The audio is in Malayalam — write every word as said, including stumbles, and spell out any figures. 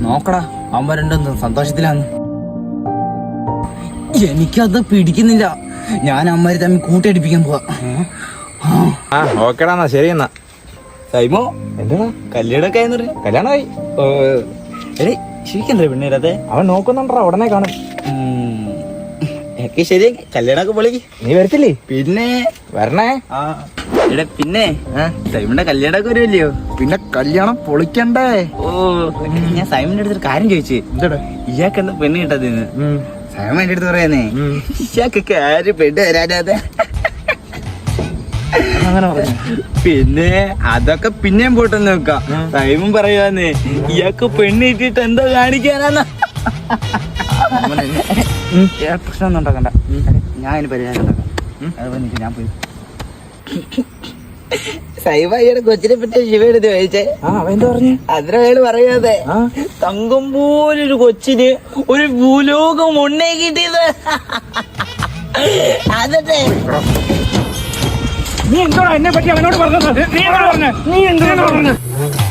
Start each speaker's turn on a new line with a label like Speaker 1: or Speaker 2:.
Speaker 1: നോക്കടാ അവന്മാർ രണ്ടും സന്തോഷത്തിലാന്ന്. എനിക്കത് പിടിക്കുന്നില്ല. ഞാൻ അമ്മമാര് തമ്മിൽ കൂട്ടിയടിപ്പിക്കാൻ പോവാ.
Speaker 2: ആ ഓക്കേടാ എന്നാ ശരി എന്നാ.
Speaker 1: സൈമോ
Speaker 2: എന്താ
Speaker 1: കല്യാണമൊക്കെ ആയെന്ന്
Speaker 2: കല്യാണമായി?
Speaker 1: എടേ ശരിക്കണ്ടേ പെണ്ണേരത്തെ?
Speaker 2: അവൻ നോക്കുന്നുണ്ടാ, ഉടനെ കാണും.
Speaker 1: ഒക്കെ ശരിയാക്കി കല്യാണമൊക്കെ പൊളിക്ക്.
Speaker 2: നീ വരത്തില്ലേ?
Speaker 1: പിന്നെ
Speaker 2: വരണേ.
Speaker 1: ആ എടേ പിന്നെ സൈമന്റെ കല്യാണമൊക്കെ വരുമല്ലയോ?
Speaker 2: പിന്നെ കല്യാണം പൊളിക്കണ്ടേ?
Speaker 1: ഓ ഞാൻ സൈമന്റെ അടുത്തൊരു കാര്യം ചോദിച്ചു.
Speaker 2: എന്താടാ
Speaker 1: ഇയാൾക്ക് എന്താ പെണ്ണ് കിട്ടാതിന്ന്? സൈമൻ എന്റെ അടുത്ത് പറയാന്നേ ഇയാൾക്കൊക്കെ ആര് പെണ്ണ് തരാനാതെ.
Speaker 2: അങ്ങനെ പറഞ്ഞു.
Speaker 1: പിന്നെ അതൊക്കെ പിന്നെയും പോട്ടെന്ന് വെക്കാം. സൈമൻ പറയുവാന്നേ ഇയാൾക്ക് പെണ്ണ് കിട്ടിയിട്ട് എന്താ കാണിക്കാനാന്ന്. പ്രശ്നമൊന്നും ഉണ്ടാക്കണ്ട, ഞാൻ അതിന് പരിഹാരം ഉണ്ടാക്കാം. അതുപോലെ നിൽക്കും, ഞാൻ പോയി. സൈബയുടെ കൊച്ചിനെ പറ്റി ശിവയെടുത്ത് ചോദിച്ചേ.
Speaker 2: എന്താ പറഞ്ഞു?
Speaker 1: അതിനയാള് പറയാതെ തങ്കം പോലൊരു കൊച്ചിന് ഒരു ഭൂലോകം ഉണ്ണേ കിട്ടിയത്. അതട്ടെ
Speaker 2: നീ എന്തോടാ എന്നെ പറ്റി അവനോട് പറഞ്ഞത്? നീ എന്താ പറഞ്ഞ? നീ എന്താ പറഞ്ഞ?